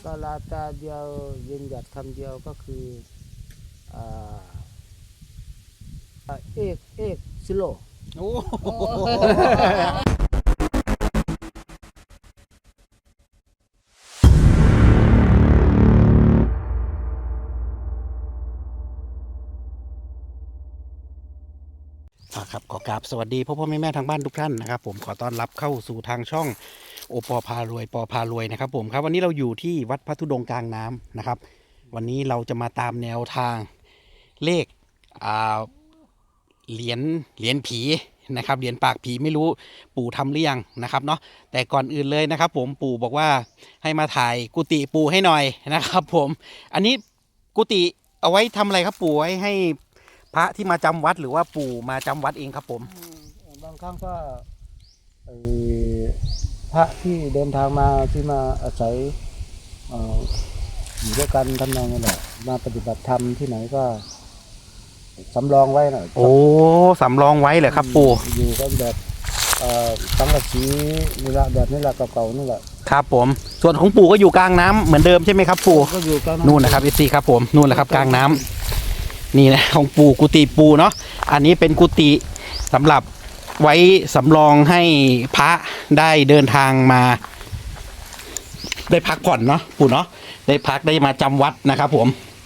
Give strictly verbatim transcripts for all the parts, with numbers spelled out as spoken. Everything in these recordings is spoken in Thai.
ก็ลาตาเดียวยืนหยัดคำเดียวก็คืออ่าเอกเอกซิโลโอ้ครับขอกราบสวัสดีพ่อพ่อแม่แม่ทางบ้านทุกท่านนะครับผมขอต้อนรับเข้าสู่ทางช่องโอปอพารวยปอพารวยนะครับผมครับวันนี้เราอยู่ที่วัดพระธุดงค์กลางน้ำนะครับวันนี้เราจะมาตามแนวทางเลขอ่าเหรียญเหรียญผีนะครับเหรียญปากผีไม่รู้ปู่ทำหรือยังนะครับเนาะแต่ก่อนอื่นเลยนะครับผมปู่บอกว่าให้มาถ่ายกุฏิปู่ให้หน่อยนะครับผมอันนี้กุฏิเอาไว้ทำอะไรครับปู่ไว้ให้พระที่มาจำวัดหรือว่าปู่มาจำวัดเองครับผมบางครั้งก็พระที่เดินทางมาที่มาอาศัยอยู่ด้วยกันทำนองนี้แหละมาปฏิบัติธรรมที่ไหนก็สำรองไว้นะโอ้สำรองไว้เหรอครับปู่อยู่กันแบบสังกะสีนี่ละแบบนี้แหละเก่าๆนี่แหละครับผมส่วนของปู่ก็อยู่กลางน้ำเหมือนเดิมใช่ไหมครับปู่ก็อยู่กลางนู่นนะครับเอซีครับผมนู่นแหละครับกลางน้ำนี่นะของปู่กุฏิปู่เนาะอันนี้เป็นกุฏิสำหรับไว้สำรองให้พระได้เดินทางมาได้พักผ่อนเนาะปู่เนาะได้พักได้มาจำวัดนะครับผม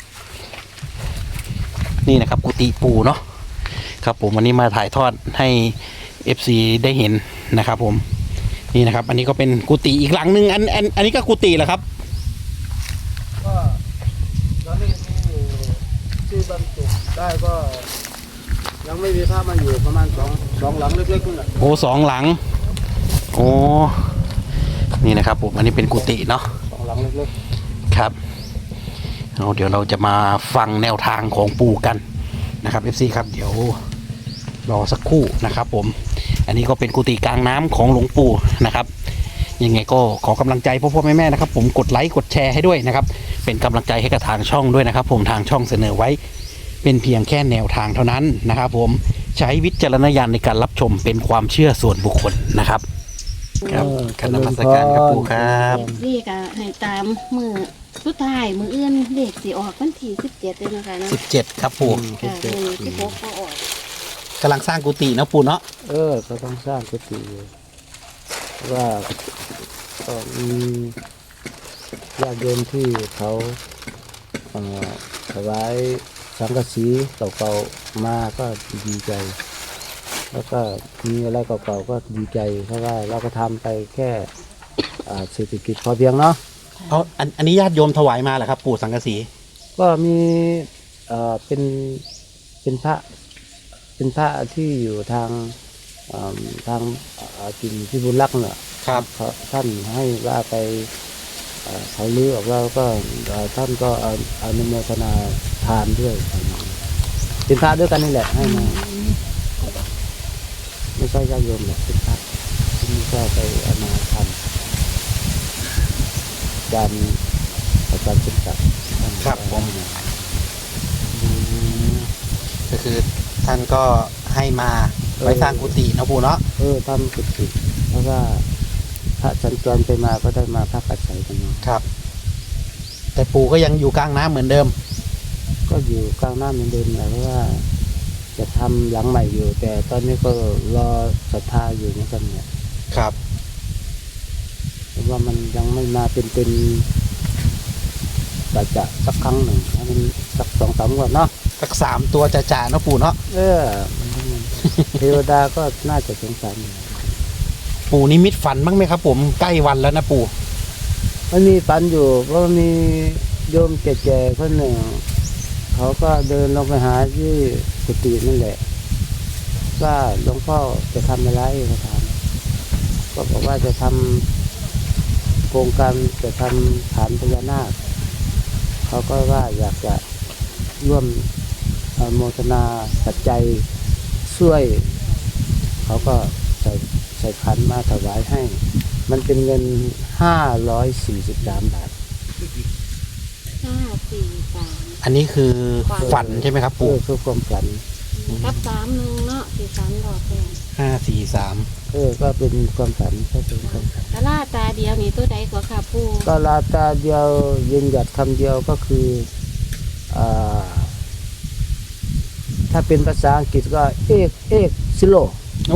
นี่นะครับกุฏิปู่เนาะครับผมวันนี้มาถ่ายทอดให้ เอฟ ซี ได้เห็นนะครับผมนี่นะครับอันนี้ก็เป็นกุฏิอีกหลังหนึ่งอันอันอันนี้ก็กุฏิเหรอครับก็ตอนนี้มีอยู่ที่บรรจุได้ก็ยังไม่มีพระมาอยู่ประมาณสองสองหลังเล็กๆนั่นแหละโอ้สองหลังโอ้นี่นะครับผมอันนี้เป็นกุฏิเนาะสองหลังเล็กๆครับเอาเดี๋ยวเราจะมาฟังแนวทางของปู่กันนะครับ เอฟ ซี ครับเดี๋ยวรอสักครู่นะครับผมอันนี้ก็เป็นกุฏิกลางน้ำของหลวงปู่นะครับยังไงก็ขอกำลังใจพ่อพ่อแม่แม่นะครับผมกดไลค์กดแชร์ให้ด้วยนะครับเป็นกำลังใจให้กับทางช่องด้วยนะครับผมทางช่องเสนอไว้เป็นเพียงแค่แนวทางเท่านั้นนะครับผมใช้วิจารณญาณในการรับชมเป็นความเชื่อส่วนบุคคลนะครับครับคณะกรรมการครับปู่ครับเลขอะให้ตามมือสุดท้ายมืออื่นเลขสีออกวันที่สิบเจ็ดเลยนะคะนะสิบเจ็ดครับปู่ค่ะมือที่พกก็ออกกำลังสร้างกุฏินะปู่เนาะเออก็ต้องสร้างกุฏิว่าก็มีญาติโยมที่เขาถวายสังกะสีเก่าๆมาก็ดีใจแล้วก็มีอะไรเก่าๆก็ดีใจเพราะว่าเราก็ทำไปแค่เศรษฐกิจพอเพียงเนาะเอาอันอันนี้ญาติโยมถวายมาเหรอครับปู่สังกะสีก็มีเอ่อเป็นเป็นพระเป็นพระที่อยู่ทางทางกินที่บุญรักเนาะครับท่านให้ว่าไปเขาลื้อออกแล้วก็ท่านก็อนุโมทนาทานด้วยเป็นพระด้วยกันนี่แหละให้มาไม่ใช่ญาติโยมหรอกเป็นพระที่ก็ไปเอามาทำการการศึกษาครับผมก็คือท่านก็ให้มาไว้สร้างกุฏินะปู่เนาะเออทำกุฏิเพราะว่าพระสัญจรไปมาก็ได้มาพักอาศัยกันครับแต่ปู่ก็ยังอยู่กลางน้ำเหมือนเดิมก็อยู่กลางน้ำเหมือนเดิมแหละเพราะว่าจะทำหลังใหม่อยู่แต่ตอนนี้ก็รอศรัทธาอยู่เหมือนกันเนี่ยครับเพราะว่ามันยังไม่มาเป็นเป็นจะจะสักครั้งหนึ่งให้มันสักสองสามวันเนาะสักสามตัวจะจ่าเนาะปู่เนาะเออเทวดาก็น่าจะสงสารปู่นิมิตฝันบ้างไหมครับผมใกล้วันแล้วนะปู่มันมีฝันอยู่เพราะมีโยมแก่ๆคนหนึ่งเขาก็เดินลงไปหาที่กุฏินั่นแหละว่าหลวงพ่อจะทำอะไรเขาถามก็บอกว่าจะทำโครงการจะทำฐานพญานาคเขาก็ว่าอยากจะร่วมโมทนาปัจจัยช่วยเขาก็ใส่ใส่ขันมาถวายให้มันเป็นเงินห้าร้อยสี่สิบสามบาทห้าสี่สามอันนี้คือฝันใช่ไหมครับปู่คือความฝันกับสามหนึ่งเนาะสี่สามดอกแดงห้าสี่สามเออก็เป็นความฝันก็เป็นความฝันกะลาตาเดียวนี่ตัวใดก็ค่ะปูก็ลาตาเดียวยืนหยัดคำเดียวก็คืออ่าถ้าเป็นภาษาอังกฤษก็เอกเอกซิโลโอ้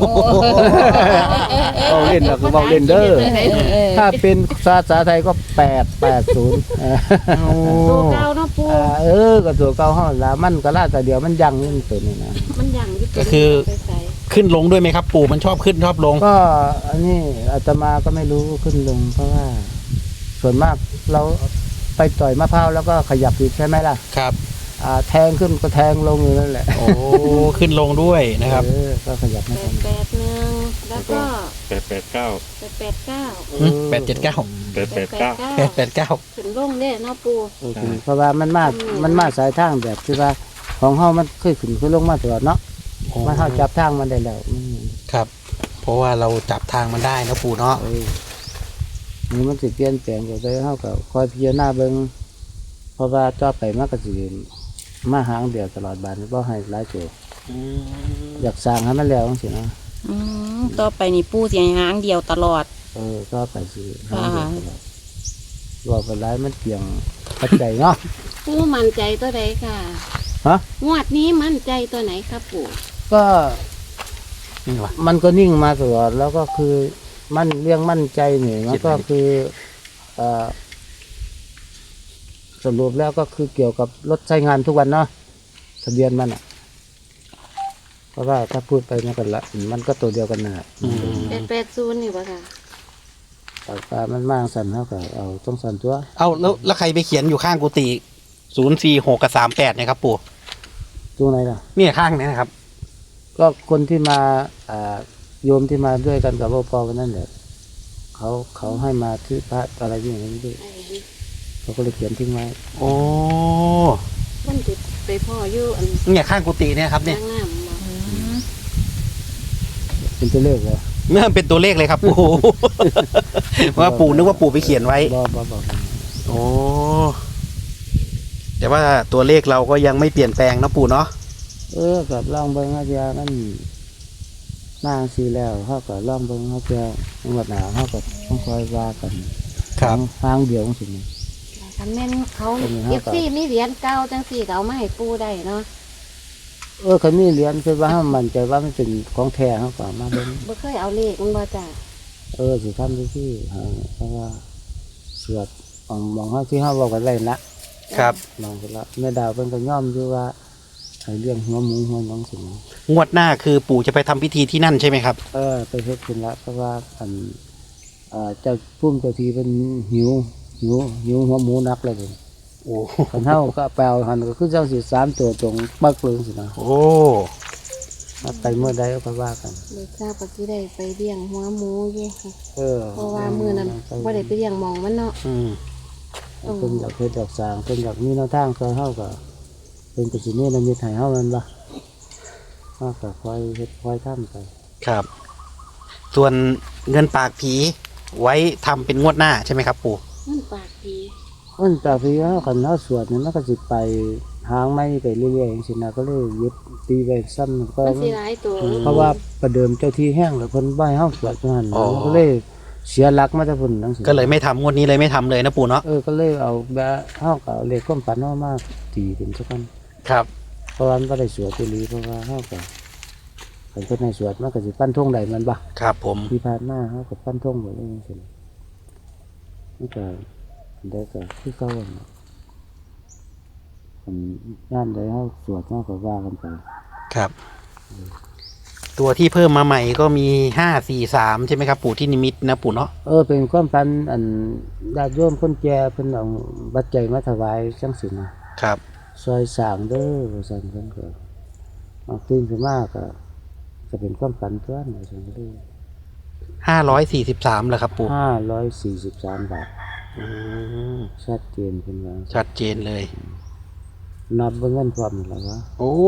เอาเล่นนะคือเอาเล่นเด้อถ้าเป็นภาษาไทยก็แปดแปดศูนย์ตัวเก่าเนาะปูเออก็ตัวเก่าห้องละมันก็ลาแต่เดียวมันยังนี่มันตัวนี้นะมันยังอยู่ตัวก็คือไปใส่ขึ้นลงด้วยไหมครับ ปู่มันชอบขึ้นชอบลงก็อันนี้อาตมาก็ไม่รู้ขึ้นลง เพราะว่า ส่วนมากเราไปต่อยมะพร้าวแล้วก็ขยับอีกใช่ไหมล่ะครับอ่าแทงขึ้นก็แทงลงอยู่นั่นแหละโอ้ขึ้นลงด้วยนะครับเออก็ขยับไม่แปทัดนแปดหนึ่งแล้วก็แปดแปดเก้าแปดแปดเก้าอืมแปดเจ็ดเก้าแปดแปดเก้าแปดแปดเก้าขึ้นลงเนี่ยเนาะปูโอเคเพราะว่ามันมามันมาสายทางแบบที่ว่าของเฮามันเคยขึ้นเคยลงมาตลอดเนาะมันเฮาจับทางมันได้แล้วมันครับ เพราะว่าเราจับทางมันได้นะปู่เนาะเออนี่มันสิเปลี่ยนแปลงไปได้เฮาก็คอยพิจารณาเบิ่งเพราะว่าต่อไปมันก็สิมาหางเดียวตลอดบานบ่ให้หลายโจอยากสร้างให้มันแล้วจังซี่นะอืมต่อไปนี่ปูเสียหางเดียวตลอดเออต่อไปสิหางเดียวตลอดว่าไปหลายมันเปลี่ยงปัจจัยเนาะปูมั่นใจตัวใดค่ะฮะงวดนี้มั่นใจตัวไหนครับปูก็นี่วะมันก็นิ่งมาตลอดแล้วก็คือมันเรื่องมั่นใจนี่มันก็คือเอ่อสรุปแล้วก็คือเกี่ยวกับรถใช้งานทุกวันเนาะทะเบียนมันอ่ะ เพราะว่าถ้าพูดไปมันก็ละมันก็ตัวเดียวกันนะอืมแปดแปดศูนย์นี่ปะค่ะแต่ว่ามันมากสั่นเท่ากับเอาต้องสั่นตัวเอาแล้วแล้วใครไปเขียนอยู่ข้างกุฏิศูนย์สี่หกกับสามแปดเนี่ยครับปู่ตรงไหนล่ะเนี่ยข้างเนี้นะครับก็คนที่มาอ่าโยมที่มาด้วยกันกับพ่อพ่อวันนั้นแหละเขาเขาให้มาที่พระอะไรอย่างนี้ด้วยไอ้เขาก็เลยเขียนทิ้งไว้โอ้คนติดไปพ่ออยู่อันเนี่ยข้างกุฏิเนี่ยครับเนี่ยข้างหน้ามันบ่เป็นตัวเลขเหรอเมื่อเป็นตัวเลขเลยครับปู่ ว่าปู่นึกว่าปู่ไปเขียนไว้บ่บ่บ่โอ้แต่ว่าตัวเลขเราก็ยังไม่เปลี่ยนแปลงนะปู่เนาะเออกับลองเบิ้งอาจารย์มันนางสีแล้วเขาก็ลองเบิ้งอาจารย์จังหวัดหนาเขาก็ต้องคอยว่ากันทางเดียวของสิ่งนี้คันแม่นเขาเป็นไงฮะเอฟซีมีเหรียญเก่าจังสี่ก็เอามาให้ปูได้เนาะเออเขามีเหรียญคือว่าเขามั่นใจว่ามันเป็นของแท้เขาก็เอามาเบิ้งบ่เคยเอาเลขมันบ่จ้ะเออสิทำที่ที่ให้เพราะว่าสวดมองมองเขาที่เขาบอกกันไรนะครับ มองกันละแม่ดาวเป็นก็ย่อมอยู่ว่าให้เรื่องหัวหมูหัวหน้องสิ่งนี้งวดหน้าคือปู่จะไปทำพิธีที่นั่นใช่ไหมครับเออไปเฮ็ดขึ้นละเพราะว่าอันเอ่อเจ้าพุ่มเจ้าทีเป็นหิวหิวหิวหัวหมูนักเลยเป็นโอ้คันเท่าก็แปลหันก็คือเจ้าสิสามตัวตรงปักเลยสินะโอ้มาไปเมื่อใดก็ว่ากันเด็กทราบว่าสิได้ไปเลี้ยงหัวหมูอยู่ค่ะเออเพราะว่ามื้อนั้นบ่ได้ไปเลี้ยงหมองมันเนาะอืมเพิ่นอยากเฮ็ดอยากสร้างเพิ่นอยากมีแนวทางซอยเฮาก็เพิ่นก็สิมีน้ำมีให้เฮามันบ่เฮาก็คอยเฮ็ดคอยทำไปครับ ส่วนเงินปากผีไว้ทำเป็นงวดหน้าใช่ไหมครับปู่มันปากดีมันแต่พี่เฮาคันเฮาสวดนี่มันก็สิไปหางไม้ไปเรื่อยๆจังซี่นะก็เลยยึดตีไว้ซ้ำก็มันสิหลายตัวเพราะว่าประเดิมเจ้าที่แห้งแล้วเพิ่นบ่ให้เฮาสวดจังหั่นนะมันก็เลยเสียหลักมาแต่พุ่นจังซี่ก็เลยไม่ทำงวดนี้เลยไม่ทำเลยนะปู่เนาะเออก็เลยเอาแบบเฮาก็เอาเลขความฝันเฮามาตีเป็นซะกันครับเพราะว่ามันบ่ได้สวดอีหลีเพราะว่าเฮาก็คันเพิ่นให้สวดมันก็สิปั้นธงได้มันบ่ครับผมที่ผ่านมาเฮาก็ปั้นธงบ่ได้จังซี่มันก็ได้ก็คือเก่าอะนะอันยามใดเฮาสวดเฮาก็ว่ากันไปครับ ตัวที่เพิ่มมาใหม่ก็มีห้าสี่สามใช่ไหมครับ ปู่ที่นิมิตนะปู่เนาะเออเป็นความฝันอันญาติโยมคนแก่เพิ่นเอาบัตรใจยมาถวายจังซี่นะครับ ซอยสร้างเด้อว่าซั่นเพิ่นก็เอาตื่นขึ้นมาก็จะเป็นความฝันตัวนั้นว่าซั่นเลยห้าร้อยสี่สิบสามเหรอครับปู่ห้าร้อยสี่สิบสามบาทอืมชัดเจนเพิ่นว่าชัดเจนเลยนับเบิ่งเงินพร้อมแล้ววะโอ้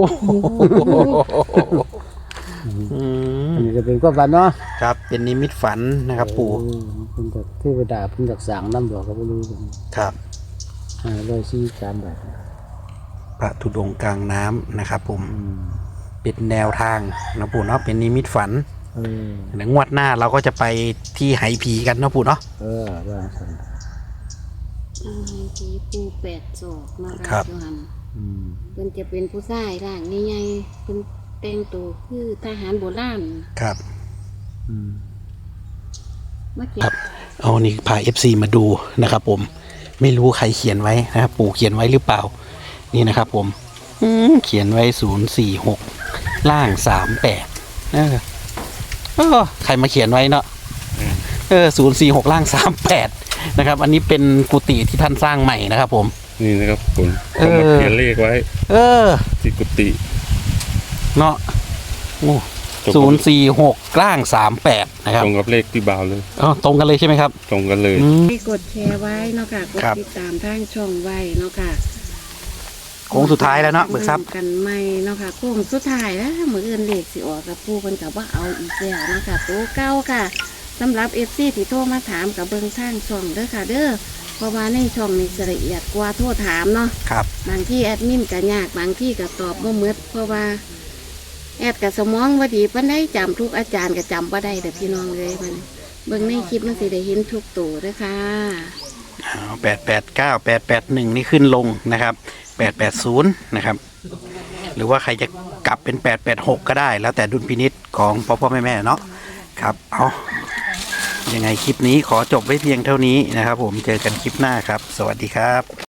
อืมอันนี้จะเป็นความฝันเนาะครับ เป็นนิมิตฝันนะครับ ปู่เออเพิ่นจะเทวดาเพิ่นอยากสร้างนำบ่ก็บ่รู้เพิ่นครับห้าร้อยสี่สิบสามบาทพระธุดงค์กลางน้ำนะครับผมอืมเป็นแนวทางนะปู่เนาะเป็นนิมิตฝันเออเดี๋ยวงวดหน้าเราก็จะไปที่ไหผีกันเนาะปู่เนาะเออว่าสันอืมสีปูแปดศอกเนาะครับอยู่หั่นอืมเพิ่นจะเป็นผู้ชายร่างใหญ่ๆเพิ่นแต่งตัวคือทหารโบราณครับอืมมาเก็ครับ บเอานี่พา เอฟ ซี มาดูนะครับผมไม่รู้ใครเขียนไว้นะครับปู่เขียนไว้หรือเปล่านี่นะครับผมอืมเขียนไว้ศูนย์สี่หกล่างสามแปดเออเออใครมาเขียนไว้เนาะเออศูนย์สี่หกล่างสามแปดนะครับ อันนี้เป็นกุฏิที่ท่านสร้างใหม่นะครับผมนี่นะครับผมเออเขามาเขียนเลขไว้เออที่กุฏิเนาะโอ้ตรงศูกับนย์สี่หกล่างสามแปดนะครับตรงกับเลขที่บ่าวเลยอ๋อตรงกันเลยใช่ไหมครับตรงกันเลยอืมให้กดแชร์ไว้เนาะค่ะกดครับติดตามทางช่องไว้เนาะค่ะโค้งสุดท้ายแล้วเนาะเบิกทรัพย์กันใหม่เนาะค่ะโค้งสุดท้ายแล้วมื้ออื่นเลขสิออกกับปูเพิ่นก็บ่เอาอีกแล้วเนาะค่ะตัวเก่าค่ะสำหรับ เอฟ ซี ที่โทรมาถามกับเบิ่งทางช่องเด้อค่ะ เด้อเพราะว่าในช่องนี้จะละเอียดกว่าโทรถามเนาะครับบางที่แอดมินก็ยากบางที่ก็ตอบบ่หมดเพราะว่าแอดกับสมองบ่ดีปานใดจำทุกอาจารย์ก็จำบ่ได้เด้อพี่น้องเลยมันเบิ่งในคลิปมันสิได้เห็นทุกตัวเด้อค่ะแปดแปดเก้าแปดแปดหนึ่งนี่ขึ้นลงนะครับแปดแปดศูนย์นะครับ หรือว่าใครจะกลับเป็นแปดแปดหกก็ได้ แล้วแต่ดุลพินิษของพ่อพ่อแม่แม่เนาะครับเอายังไงคลิปนี้ขอจบไว้เพียงเท่านี้นะครับผมเจอกันคลิปหน้าครับ สวัสดีครับ